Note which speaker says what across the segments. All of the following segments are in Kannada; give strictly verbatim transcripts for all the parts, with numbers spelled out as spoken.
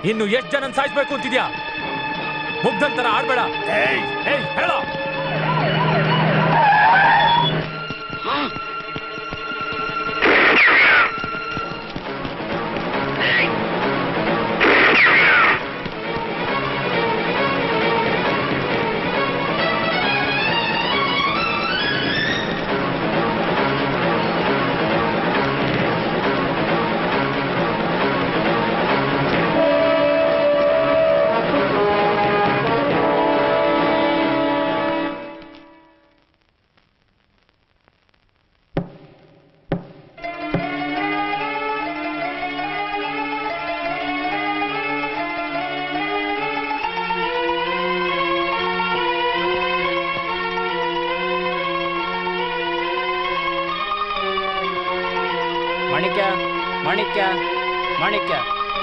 Speaker 1: ಇನ್ನು ಎಷ್ಟು ಜನ ಸಾಯಿಸ್ಬೇಕು ಅಂತಿದ್ಯಾ? ಮುಗ್ಧಂತರ ಆಡ್ಬೇಡ. ಏಯ್ ಏಯ್ ಹೇಳ.
Speaker 2: ಮಾಣಿಕ್ಯ ಮಾಣಿಕ್ಯ ಮಾಣಿಕ್ಯ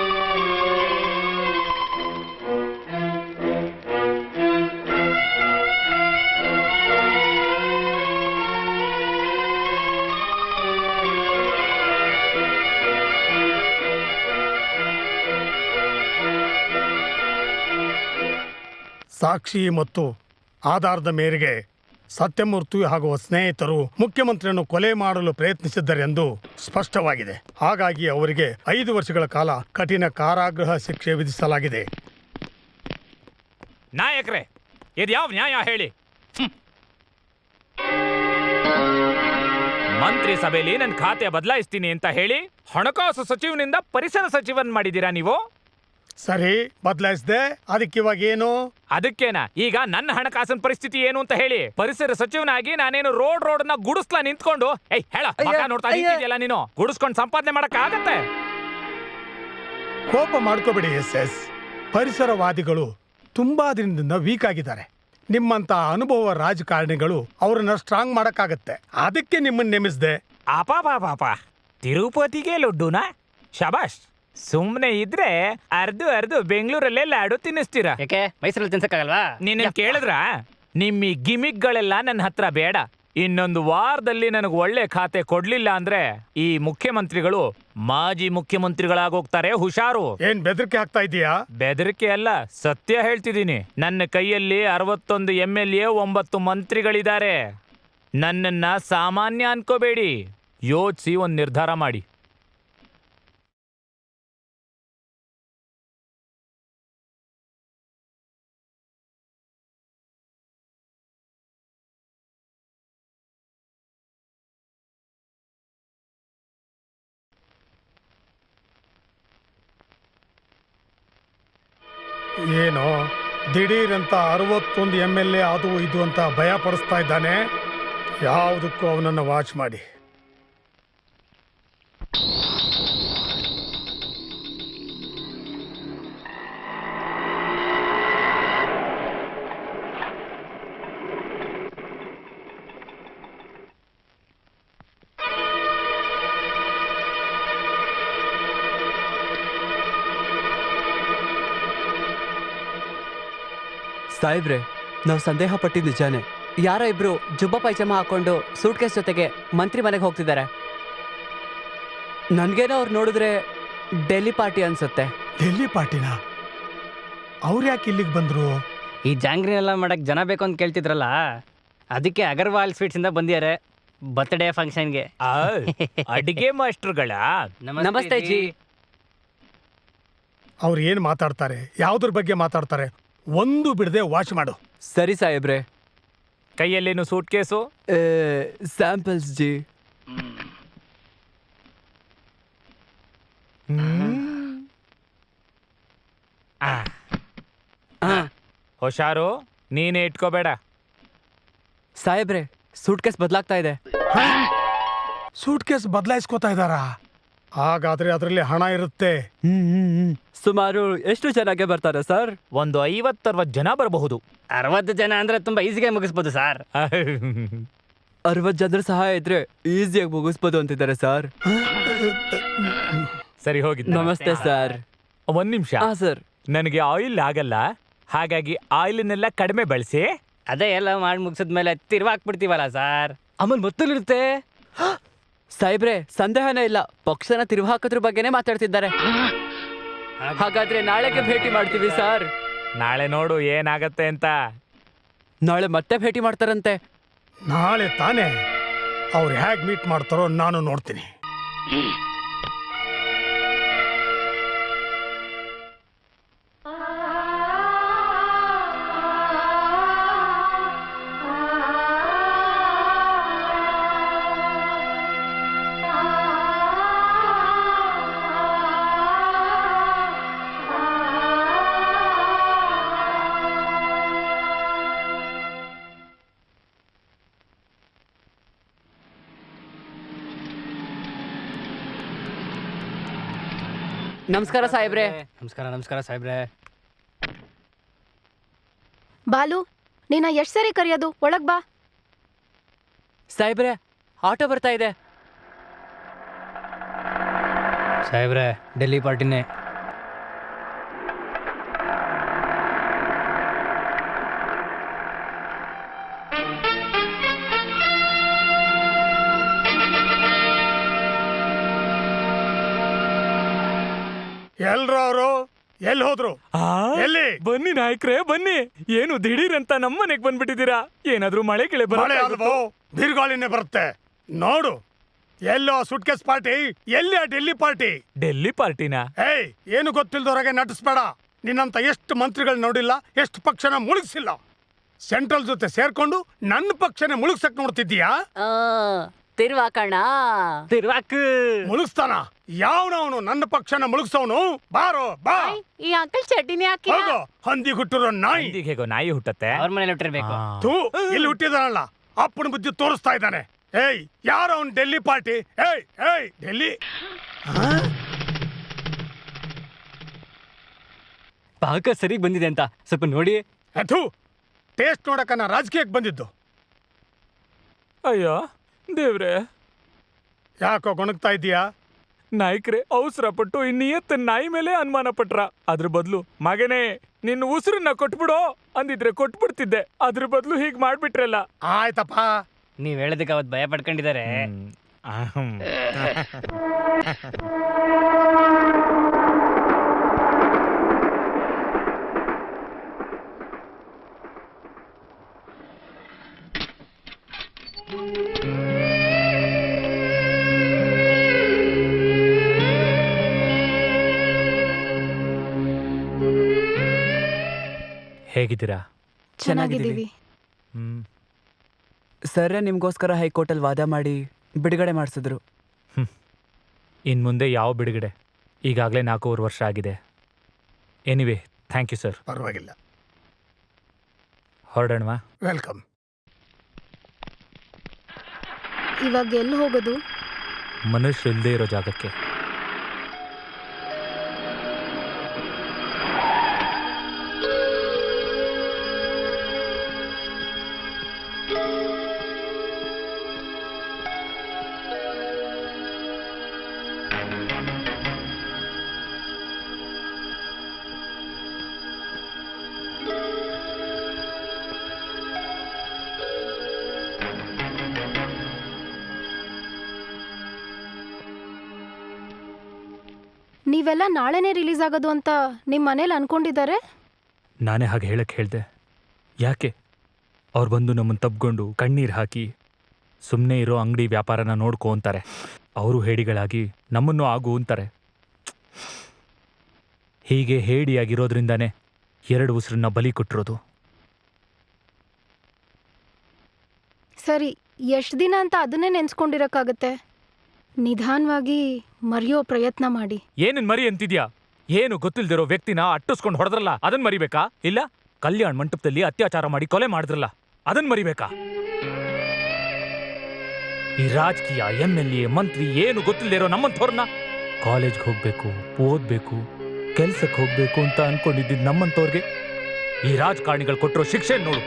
Speaker 3: ಸಾಕ್ಷಿ ಮತ್ತು ಆಧಾರದ ಮೇರೆಗೆ ಸತ್ಯಮೂರ್ತಿ ಹಾಗೂ ಸ್ನೇಹಿತರು ಮುಖ್ಯಮಂತ್ರಿಯನ್ನು ಕೊಲೆ ಮಾಡಲು ಪ್ರಯತ್ನಿಸಿದ್ದರೆಂದು ಸ್ಪಷ್ಟವಾಗಿದೆ. ಹಾಗಾಗಿ ಅವರಿಗೆ ಐದು ವರ್ಷಗಳ ಕಾಲ ಕಠಿಣ ಕಾರಾಗೃಹ ಶಿಕ್ಷೆ ವಿಧಿಸಲಾಗಿದೆ.
Speaker 1: ನಾಯಕರೇ, ಇದು ಯಾವ ನ್ಯಾಯ ಹೇಳಿ? ಮಂತ್ರಿ ಸಭೆಯಲ್ಲಿ ನನ್ನ ಖಾತೆ ಬದಲಾಯಿಸ್ತೀನಿ ಅಂತ ಹೇಳಿ ಹಣಕಾಸು ಸಚಿವನಿಂದ ಪರಿಸರ ಸಚಿವನ್ ಮಾಡಿದ್ದೀರಾ ನೀವು?
Speaker 3: ಸರಿ, ಬದಲಾಯಿಸಿದೆ. ಅದಕ್ಕೆ ಇವಾಗ ಏನು?
Speaker 1: ಅದಕ್ಕೇನಾ ಈಗ ನನ್ನ ಹಣಕಾಸಿನ ಪರಿಸ್ಥಿತಿ ಏನು ಅಂತ ಹೇಳಿ? ಪರಿಸರ ಸಚಿವನಾಗಿ ನಾನೇನು ರೋಡ್ ರೋಡ್ ನ ಗುಡಿಸ್ಲಾ ನಿಂತ್ಕೊಂಡು ಏಯ್ ಹೇಳ ಮಗ ನೋಡ್ತಾ ನಿಂತಿದ್ಯಲ್ಲ ನೀನು, ಗುಡಿಸ್ಕೊಂಡು ಸಂಪಾದನೆ ಮಾಡಕ್ ಆಗತ್ತೆ?
Speaker 3: ಕೋಪ ಮಾಡ್ಕೋಬೇಡಿ ಎಸ್ ಎಸ್. ಪರಿಸರವಾದಿಗಳು ತುಂಬಾ ದಿನದಿಂದ ವೀಕ್ ಆಗಿದ್ದಾರೆ. ನಿಮ್ಮಂತ ಅನುಭವ ರಾಜಕಾರಣಿಗಳು ಅವ್ರನ್ನ ಸ್ಟ್ರಾಂಗ್ ಮಾಡಕ್ಕಾಗತ್ತೆ. ಅದಕ್ಕೆ ನಿಮ್ಮನ್ನ ನೇಮಿಸಿದೆ.
Speaker 1: ಅಪಾ ಪಾಪ ತಿರುಪತಿಗೆ ಲಡ್ಡುನಾ? ಶಬಾಷ್. ಸುಮ್ನೆ ಇದ್ರೆ ಅರ್ದು ಅರ್ದು ಬೆಂಗಳೂರಲ್ಲೇ ಲಾಡು ತಿನ್ನಿಸ್ತೀರಾ.
Speaker 2: ಯಾಕೆ ಮೈಸೂರಲ್ಲಿ ತಿನ್ಸಕ್ಕಾಗಲ್ವಾ?
Speaker 1: ನಿನ್ನ ಕೇಳಿದ್ರ? ನಿಮ್ಮ ಈ ಗಿಮಿಕ್ಗಳೆಲ್ಲ ನನ್ನ ಹತ್ರ ಬೇಡ. ಇನ್ನೊಂದು ವಾರದಲ್ಲಿ ನನಗೆ ಒಳ್ಳೆ ಖಾತೆ ಕೊಡ್ಲಿಲ್ಲ ಅಂದ್ರೆ ಈ ಮುಖ್ಯಮಂತ್ರಿಗಳು ಮಾಜಿ ಮುಖ್ಯಮಂತ್ರಿಗಳಾಗೋಗ್ತಾರೆ. ಹುಷಾರು.
Speaker 3: ಏನ್ ಬೆದರಿಕೆ ಹಾಕ್ತಾ ಇದೀಯಾ?
Speaker 1: ಬೆದರಿಕೆ ಅಲ್ಲ, ಸತ್ಯ ಹೇಳ್ತಿದ್ದೀನಿ. ನನ್ನ ಕೈಯಲ್ಲಿ ಅರವತ್ತೊಂದು ಎಂ ಎಲ್ ಎ ಒಂಬತ್ತು ಮಂತ್ರಿಗಳಿದ್ದಾರೆ. ನನ್ನನ್ನ ಸಾಮಾನ್ಯ ಅನ್ಕೋಬೇಡಿ. ಯೋಚಿಸಿ ಒಂದು ನಿರ್ಧಾರ ಮಾಡಿ.
Speaker 3: ಏನೋ ದಿಢೀರಂತ ಅರವತ್ತೊಂದು ಎಮ್ ಎಲ್ ಎ ಅದು ಇದು ಅಂತ ಭಯ ಪಡಿಸ್ತಾ ಇದ್ದಾನೆ. ಯಾವುದಕ್ಕೂ ಅವನನ್ನು ವಾಚ್ ಮಾಡಿ.
Speaker 4: ಸಾಹೇಬ್ರೆ, ನಾವು ಸಂದೇಹ ಪಟ್ಟಿದ್ದು ನಿಜಾನೆ. ಯಾರೋ ಇಬ್ರು ಜುಬ್ಬ ಪೈಜಾಮ ಹಾಕೊಂಡು ಸೂಟ್ ಕೇಸ್ ಜೊತೆಗೆ ಮಂತ್ರಿ ಮನೆಗೆ ಹೋಗ್ತಿದ್ದಾರೆ. ನನ್ಗೇನೋ ಅವ್ರು ನೋಡಿದ್ರೆ ಡೆಲ್ಲಿ ಪಾರ್ಟಿ ಅನ್ಸುತ್ತೆ.
Speaker 3: ಡೆಲ್ಲಿ ಪಾರ್ಟಿನ? ಅವ್ರು ಯಾಕೆ ಇಲ್ಲಿಗೆ ಬಂದ್ರು?
Speaker 2: ಈ ಜಾಂಗ್ರಿನೆಲ್ಲ ಮಾಡಕ್ ಜನ ಬೇಕು ಅಂತ ಕೇಳ್ತಿದ್ರಲ್ಲ, ಅದಕ್ಕೆ ಅಗರ್ವಾಲ್ ಸ್ವೀಟ್ಸ್ ಇಂದ ಬಂದಿದ್ದಾರೆ ಬರ್ತ್ಡೇ ಫಂಕ್ಷನ್ಗೆ.
Speaker 1: ಅಡಿಗೆ ಮಾಸ್ಟರ್ಗಳ
Speaker 2: ನಮಸ್ತೆ ಜಿ.
Speaker 3: ಅವ್ರು ಏನು ಮಾತಾಡ್ತಾರೆ, ಯಾವುದ್ರ ಬಗ್ಗೆ ಮಾತಾಡ್ತಾರೆ, ಒಂದು ಬಿಡದೆ ವಾಚ್ ಮಾಡು.
Speaker 4: ಸರಿ ಸಾಹೇಬ್ರೆ.
Speaker 1: ಕೈಯಲ್ಲೇನು ಸೂಟ್ ಕೇಸು?
Speaker 4: ಸ್ಯಾಂಪಲ್ಸ್ ಜಿ.
Speaker 1: ಹುಷಾರು, ನೀನೇ ಇಟ್ಕೋಬೇಡ.
Speaker 4: ಸಾಹೇಬ್ರೆ, ಸೂಟ್ ಕೇಸ್ ಬದಲಾಗ್ತಾ ಇದೆ.
Speaker 3: ಸೂಟ್ ಕೇಸ್ ಬದಲಾಯಿಸ್ಕೋತಾ ಇದ್ದಾರಾ? ಹಾಗಾದ್ರೆ ಅದರಲ್ಲಿ ಹಣ ಇರುತ್ತೆ.
Speaker 4: ಸುಮಾರು ಎಷ್ಟು ಜನಕ್ಕೆ ಬರ್ತಾರೆ ಸರ್?
Speaker 1: ಒಂದು ಐವತ್ತರವತ್ತು ಜನ ಬರಬಹುದು.
Speaker 2: ಅರವತ್ತು ಜನ ಅಂದ್ರೆ ತುಂಬಾ ಈಸಿಗೆ ಮುಗಿಸ್ಬೋದು ಸರ್.
Speaker 4: ಅರವತ್ತು ಜನರ ಸಹಾಯ ಇದ್ರೆ ಈಸಿಯಾಗಿ ಮುಗಿಸ್ಬೋದು ಅಂತಿದ್ದಾರೆ ಸರ್.
Speaker 1: ಸರಿ ಹೋಗಿ.
Speaker 4: ನಮಸ್ತೆ ಸರ್.
Speaker 1: ಒಂದ್ ನಿಮಿಷ.
Speaker 4: ಹಾ ಸರ್.
Speaker 1: ನನಗೆ ಆಯಿಲ್ ಆಗಲ್ಲ, ಹಾಗಾಗಿ ಆಯಿಲ್ನೆಲ್ಲ ಕಡಿಮೆ ಬಳಸಿ.
Speaker 2: ಅದೇ ಎಲ್ಲ ಮಾಡಿ ಮುಗಿಸಿದ್ಮೇಲೆ ತಿರ್ವಾಕ್ಬಿಡ್ತೀವಲ್ಲ ಸರ್, ಆಮೇಲೆ ಮೊತ್ತಲಿರುತ್ತೆ.
Speaker 4: ಸಾಹೇಬ್ರೆ, ಸಂದೇಹನೇ ಇಲ್ಲ, ಪಕ್ಷನ ತಿರುವು ಹಾಕೋದ್ರ ಬಗ್ಗೆನೇ ಮಾತಾಡ್ತಿದ್ದಾರೆ. ಹಾಗಾದ್ರೆ ನಾಳೆಗೆ ಭೇಟಿ ಮಾಡ್ತೀವಿ ಸರ್.
Speaker 1: ನಾಳೆ ನೋಡು ಏನಾಗತ್ತೆ ಅಂತ.
Speaker 4: ನಾಳೆ ಮತ್ತೆ ಭೇಟಿ ಮಾಡ್ತಾರಂತೆ.
Speaker 3: ನಾಳೆ ತಾನೇ ಅವ್ರು ಹೇಗೆ ಮೀಟ್ ಮಾಡ್ತಾರೋ ನಾನು ನೋಡ್ತೀನಿ.
Speaker 4: ನಮಸ್ಕಾರ ಸಾಹೇಬ್ರೆ.
Speaker 2: ನಮಸ್ಕಾರ ನಮಸ್ಕಾರ ಸಾಹೇಬ್ರೆ.
Speaker 5: ಬಾಲು, ನೀನ ಎಷ್ಟ್ ಸರಿ ಕರೆಯೋದು? ಒಳಗ್ ಬಾ.
Speaker 4: ಸಾಹೇಬ್ರೆ, ಆಟೋ ಬರ್ತಾ ಇದೆ.
Speaker 2: ಸಾಹೇಬ್ರೆ, ಡೆಲ್ಲಿ ಪಾರ್ಟಿನೇ.
Speaker 3: ಎಲ್ರು ಅವರು ಎಲ್ಲಿ ಹೋದ್ರು? ಎಲ್ಲಿ?
Speaker 1: ಬನ್ನಿ ನಾಯಕ್ರೆ ಬನ್ನಿ. ಏನು ದಿಢೀರ್ ಅಂತ ನಮ್ಮನೆಗ್ ಬಂದ್ಬಿಟ್ಟಿದ್ದೀರಾ? ಏನಾದ್ರೂ ಮಳೆ ಗಿಳೆ
Speaker 3: ಮಳೆ ಅಲ್ವೋ, ಬಿರುಗಾಳಿನೇ ಬರುತ್ತೆ. ನೋಡು, ಎಲ್ಲೋ ಸುಟ್ಕೇಸ್ ಪಾರ್ಟಿ, ಎಲ್ಲಿ ಆ ಡೆಲ್ಲಿ ಪಾರ್ಟಿ?
Speaker 1: ಡೆಲ್ಲಿ ಪಾರ್ಟಿನ?
Speaker 3: ಏಯ್, ಏನು ಗೊತ್ತಿಲ್ದವ್ರಾಗೆ ನಟಿಸ್ಬೇಡ. ನಿನ್ನಂತ ಎಷ್ಟು ಮಂತ್ರಿಗಳು ನೋಡಿಲ್ಲ, ಎಷ್ಟು ಪಕ್ಷನ ಮುಳುಗಿಸಿಲ್ಲ. ಸೆಂಟ್ರಲ್ ಜೊತೆ ಸೇರ್ಕೊಂಡು ನನ್ನ ಪಕ್ಷನೇ ಮುಳುಗ್ಸಕ್ ನೋಡ್ತಿದ್ದೀಯಾ?
Speaker 4: ತಿರ್ವಾಕಣ
Speaker 2: ತಿರ್ವಾಕ್
Speaker 3: ಮುಳುಗಿಸ್ತಾನ ಯಾವನವನು? ನನ್ನ ಪಕ್ಷನ ಮುಳುಗ್ಸವನು. ಬಾರೋ ಬಾ.
Speaker 5: ಈ ಅಂಕಲ್ ಚಡ್ಡಿನೇ ಹಾಕಿ.
Speaker 3: ಹೋಗೋ, ಹಂದಿ ಹುಟ್ಟಿರೋ ನಾಯಿ.
Speaker 1: ಈಗ ಹೇಗೋ ನಾಯಿ ಹುಟ್ಟತ್ತೆ.
Speaker 2: ಅವ್ರ ಮನೇಲಿ ಹುಟ್ಟಿರ್ಬೇಕು.
Speaker 1: ಆ.
Speaker 3: ತೂ, ಇಲ್ಲಿ ಹುಟ್ಟಿದಾನಲ್ಲ, ಅಪ್ಪನ ಬುದ್ಧಿ ತೋರಿಸ್ತಾ ಇದ್ದಾನೆ. ಏಯ್, ಯಾರ ಅವನ್ ಡೆಲ್ಲಿ ಪಾರ್ಟಿ? ಏಯ್ ಏಯ್ ಡೆಲ್ಲಿ
Speaker 2: ಪಾಕ ಸರಿಗ್ ಬಂದಿದೆ ಅಂತ ಸ್ವಲ್ಪ ನೋಡಿ.
Speaker 3: ಅಥು, ಟೇಸ್ಟ್ ನೋಡಕ ನಾ ರಾಜಕೀಯಕ್ಕೆ ಬಂದಿದ್ದು.
Speaker 1: ಅಯ್ಯೋ ದೇವ್ರೆ,
Speaker 3: ಯಾಕೋ ಗೊಣಗ್ತಾ ಇದೀಯಾ?
Speaker 1: ನಾಯ್ಕ್ರೆ ಅವಸರ ಪಟ್ಟು ಈ ನಿಯತ್ತ ನಾಯಿ ಮೇಲೆ ಅನುಮಾನ ಪಟ್ರ. ಅದ್ರ ಬದಲು ಮಗನೇ ನಿನ್ನ ಉಸಿರನ್ನ ಕೊಟ್ಬಿಡೋ ಅಂದಿದ್ರೆ ಕೊಟ್ಬಿಡ್ತಿದ್ದೆ. ಅದ್ರ ಬದಲು ಹೀಗ್ ಮಾಡ್ಬಿಟ್ರಲ್ಲ.
Speaker 3: ಆಯ್ತಪ್ಪ.
Speaker 2: ನೀವ್ ಹೇಳದಕ್ಕೆ ಅವತ್ ಭಯ ಪಡ್ಕೊಂಡಿದ್ದಾರೆ.
Speaker 1: ಅಹಂ. ಹೇಗಿದ್ದೀರಾ?
Speaker 5: ಚೆನ್ನಾಗಿದ್ದೀವಿ.
Speaker 1: ಹ್ಮ್
Speaker 4: ಸರ್ರೆ ನಿಮ್ಗೋಸ್ಕರ ಹೈಕೋರ್ಟಲ್ಲಿ ವಾದ ಮಾಡಿ ಬಿಡುಗಡೆ ಮಾಡಿಸಿದ್ರು.
Speaker 1: ಇನ್ ಮುಂದೆ ಯಾವ ಬಿಡುಗಡೆ? ಈಗಾಗಲೇ ನಾಲ್ಕೂವರೆ ವರ್ಷ ಆಗಿದೆ. Anyway thank you sir.
Speaker 3: ಪರವಾಗಿಲ್ಲ.
Speaker 1: ಹೊರಡೋಣವಾ?
Speaker 3: ವೆಲ್ಕಮ್.
Speaker 5: ಇವಾಗ ಎಲ್ಲಿ ಹೋಗೋದು?
Speaker 1: ಮನುಷ್ಯ ಇಲ್ಲದೆ ಇರೋ ಜಾಗಕ್ಕೆ.
Speaker 5: ನೀವೆಲ್ಲ ನಾಳೆನೇ ರಿಲೀಸ್ ಆಗೋದು ಅಂತ ನಿಮ್ ಮನೇಲಿ ಅನ್ಕೊಂಡಿದ್ದಾರೆ.
Speaker 1: ನಾನೇ ಹಾಗೆ ಹೇಳಕ್ಕೆ ಹೇಳ್ದೆ. ಯಾಕೆ? ಅವ್ರು ಬಂದು ನಮ್ಮನ್ನು ತಬ್ಕೊಂಡು ಕಣ್ಣೀರು ಹಾಕಿ ಸುಮ್ಮನೆ ಇರೋ ಅಂಗಡಿ ವ್ಯಾಪಾರನ ನೋಡ್ಕೊ ಅಂತಾರೆ. ಅವರು ಹೇಡಿಗಳಾಗಿ ನಮ್ಮನ್ನು ಆಗು ಅಂತಾರೆ. ಹೀಗೆ ಹೇಡಿಯಾಗಿರೋದ್ರಿಂದಾನೇ ಎರಡು ಉಸಿರನ್ನ ಬಲಿ ಕೊಟ್ಟಿರೋದು.
Speaker 5: ಸರಿ, ಎಷ್ಟು ದಿನ ಅಂತ ಅದನ್ನೇ ನೆನ್ಸ್ಕೊಂಡಿರಕ್ಕಾಗತ್ತೆ? ನಿಧಾನವಾಗಿ ಮರೆಯೋ ಪ್ರಯತ್ನ ಮಾಡಿ.
Speaker 1: ಏನೇನ್ ಮರಿ ಅಂತಿದ್ಯಾ? ಏನು ಗೊತ್ತಿಲ್ದಿರೋ ವ್ಯಕ್ತಿನ ಅಟ್ಟಿಸ್ಕೊಂಡು ಹೊಡೆದ್ರಲ್ಲ, ಅದನ್ ಮರಿಬೇಕಾ? ಇಲ್ಲ ಕಲ್ಯಾಣ ಮಂಟಪದಲ್ಲಿ ಅತ್ಯಾಚಾರ ಮಾಡಿ ಕೊಲೆ ಮಾಡಿದ್ರಲ್ಲ, ಅದನ್ ಮರಿಬೇಕಾ? ಈ ರಾಜಕೀಯ ಎಂ ಎಲ್ ಎ ಮಂತ್ರಿ ಏನು ಗೊತ್ತಿಲ್ದಿರೋ ನಮ್ಮಂಥವ್ರನ್ನ ಕಾಲೇಜ್ಗೆ ಹೋಗ್ಬೇಕು, ಓದ್ಬೇಕು, ಕೆಲ್ಸಕ್ಕೆ ಹೋಗ್ಬೇಕು ಅಂತ ಅನ್ಕೊಂಡಿದ್ದಿದ್ ನಮ್ಮಂಥವ್ರಿಗೆ ಈ ರಾಜಕಾರಣಿಗಳು ಕೊಟ್ಟಿರೋ ಶಿಕ್ಷೆ ನೋಡು.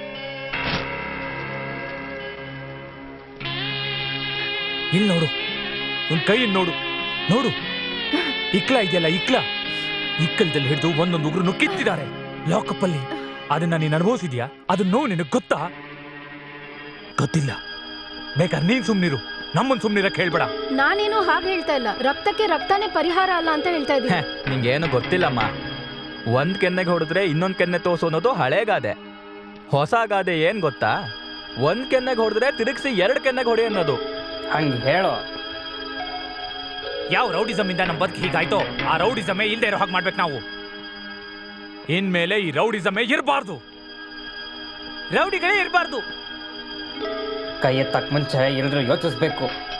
Speaker 1: ಇಲ್ಲಿ ನೋಡು, ಒಂದ್ ಕೈ ನೋಡು ನೋಡು, ಇಕ್ಲ ಇದೆಯಲ್ಲ ಇಕ್ಲ, ಇಕ್ಕಲದಲ್ಲಿ ಹಿಡಿದು ಒಂದೊಂದು ಉಗ್ರನ್ನು ಕಿತ್ತಿದ್ದಾರೆ ಲಾಕಪ್ ಅಲ್ಲಿ. ಅದನ್ನ ನೀನ್ ಅನುಭವಿಸಿದ್ಯಾ? ಅದನ್ನ ನೋವು ನಿನಗ್ ಗೊತ್ತಾ? ಗೊತ್ತಿಲ್ಲ. ಬೇಕಾದ್ರೆ ನೀನ್ ಸುಮ್ನಿರು, ನಮ್ಮನ್ ಸುಮ್ನಿರಕ್ ಹೇಳ್ಬೇಡ.
Speaker 5: ನಾನೇನು ಹಾಗೆ ಹೇಳ್ತಾ ಇಲ್ಲ. ರಕ್ತಕ್ಕೆ ರಕ್ತನೇ ಪರಿಹಾರ ಅಲ್ಲ ಅಂತ ಹೇಳ್ತಾ ಇದ್ದೀನಿ.
Speaker 6: ನಿಂಗೇನು ಗೊತ್ತಿಲ್ಲಮ್ಮ. ಒಂದ್ ಕೆನ್ನೆಗೆ ಹೊಡೆದ್ರೆ ಇನ್ನೊಂದ್ ಕೆನ್ನೆ ತೋರ್ಸು ಅನ್ನೋದು ಹಳೆ ಗಾದೆ. ಹೊಸ ಗಾದೆ ಏನ್ ಗೊತ್ತಾ? ಒಂದ್ ಕೆನ್ನೆಗೆ ಹೊಡೆದ್ರೆ ತಿರುಗಿಸಿ ಎರಡ್ ಕೆನ್ನೆಗೆ ಹೊಡಿ ಅನ್ನೋದು.
Speaker 2: ಹಂಗೆ ಹೇಳೋ.
Speaker 1: ಯಾವ ರೌಡಿಸಮ್ ಇಂದ ನಮ್ ಬದುಕು ಹೀಗಾಯ್ತೋ ಆ ರೌಡಿಸಮೇ ಇಲ್ದೇ ಇರೋ ಹಾಗೆ ಮಾಡ್ಬೇಕು ನಾವು. ಇನ್ಮೇಲೆ ಈ ರೌಡಿಸಮೇ ಇರಬಾರ್ದು, ರೌಡಿಗಳೇ ಇರಬಾರ್ದು.
Speaker 2: ಕೈ ಎತ್ತಕ್ ಮುಂಚೆ ಎಲ್ಲರೂ ಯೋಚಿಸ್ಬೇಕು.